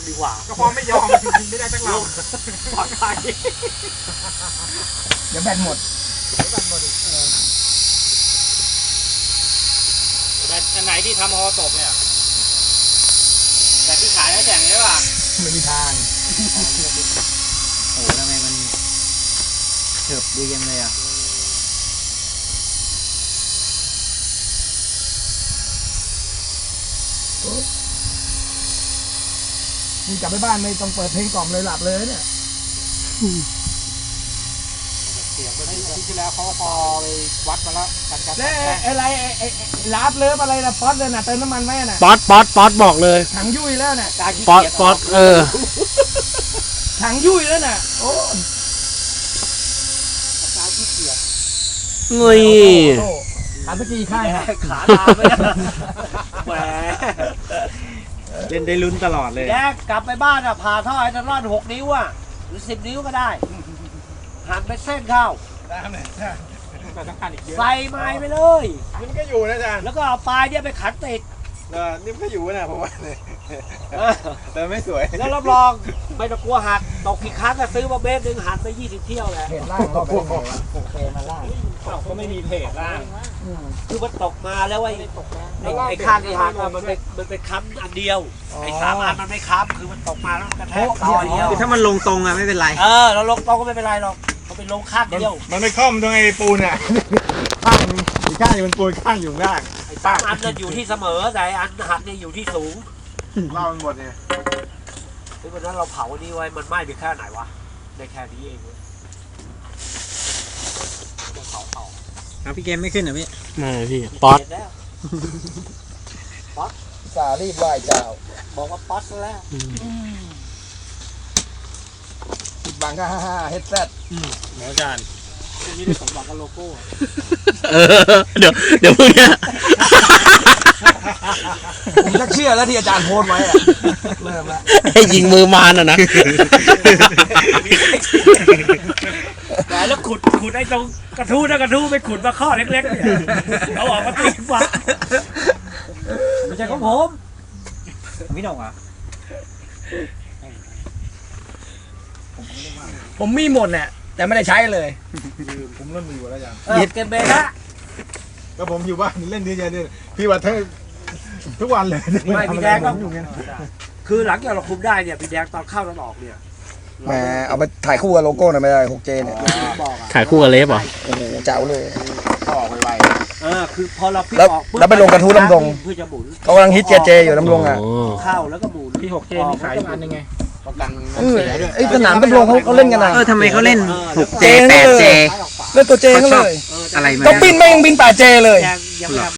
ดีกว่าก็พอไม่ยอมยิงไม่ได้ตั้งเราปลอดภัยเดี๋ยวแบตหมดแบตอันไหนที่ทำฮอตกเนี่ยแบตที่ขายแล้วแข่งใช่ป่ะไม่มีทางโอ้ทำไมมันเฉิบดียังเลยอ่ะนี่กลับไปบ้านไม่ต้องเปิดเพลงกล่อมเลยหลับเลยเนี่ยเสียงไปที่แล้วเขาพอไปวัดมาแล้วกันกันแล้วอะไรไอ้ลาบเลิฟอะไรนะป๊อตเลยนะเติมน้ำมันไหมน่ะป๊อตบอกเลยถังยุ่ยแล้วน่ะป๊อตถังยุ่ยแล้วน่ะโอ้การที่เกียจนี่ขาตะกี้ข้างขาตาไม่ได้แหมเล่นได้ลุ้นตลอดเลยแกกลับไปบ้านอ่ะผ่าท่อไอ้ตลอด6 นิ้วอ่ะหรือ10 นิ้วก็ได้หั่นเป็นเส้นเข้าแต่ต้องการอีกเยอะใส่ไม้ไปเลยนี่มันก็อยู่นะอาจารย์แล้วก็เอาปลายเนี่ยไปขันติดนี่มันก็อยู่นะผมว่าแต่ไม่สวยแล้วรับรองไม่ต้องกลัวหักตกกี่ครั้งก็ซื้อมาเบสหนึ่งหันไป20 เที่ยวแหละเพจล่างก็พวกเคมาล่างก็ไม่มีเพจล่างคือมันตกมาแล้วไอ้ข้างที่หักมันเป็นค้ำอันเดียวไอ้3 อันมันไม่ค้ำคือมันตกมาแล้วมันกระแทกต่อเดียวถ้ามันลงตรงอะไม่เป็นไรเราลงตรงก็ไม่เป็นไรหรอกมันเป็นลงข้างเดียวมันไม่คล่อมตรงไอ้ปูนอ่ะข้างอีกข้างอยู่มันปูนข้างอยู่ล่างไอ้3 อันนั่นอยู่ที่เสมอแต่อันหักเนี่ยอยู่ที่สูงเล่ามันหมดเนี่ยวันนั้นเราเผาอันนี้ไว้มันไหม้ไปแค่ไหนวะในแค่นี้เองพี่เกมไม่ขึ้นเหรอพี่ไม่พี่ป๊อตสารีบไหว้เจ้าบอกว่าป๊อตแล้วปิดบังก็เฮดเซตหมออาจารย์นี่ได้สมบัติกับโลโก้เดี๋ยวพวกเนี้ยผมจะเชื่อแล้วที่อาจารย์โพสไว้อะเริ่มแล้วให้ยิงมือมารนะแล้วขุดไอ้ตรงกระทู้ไปขุดมาข้อเล็กๆเนี่ยเอาออกมาตีฟ้าไม่ใช่ของผมไม่ต้องอ่ะผมมีหมดเนี่ยแต่ไม่ได้ใช้เลยผมเริ่มมีอยู่แล้วยังเก็บเบรละก็ผมอยู่บ้านเล่นดีใจดีพี่ว่าทุกวันเลยไม่พี่แดงก็คือหลังจากเราคุมได้เนี่ยพี่แดงตอนเข้าตอนออกเนี่ยแหมเอาไปถ่ายคู่กับโลโก้หน่อยไม่ได้ 6J เนี่ยถ่ายคู่กับเลฟเหรอโอ้โหเจ๋วเลยออกไวคือพอเราพี่ออกแล้วไปลงกระทู้ลำดงเพื่อจะหมุนเขากำลังฮิตเจอยู่ลำดงอ่ะเข้าแล้วก็หมุนพี่ 6J นี่ขายอันยังไงประกันไอ้สนามลำดงเขาเล่นกันนะทำไมเขาเล่น 6J 8J เล่นตัวเจกันเลยอะไรมาก็บินไม่ยังบิน 8J เลย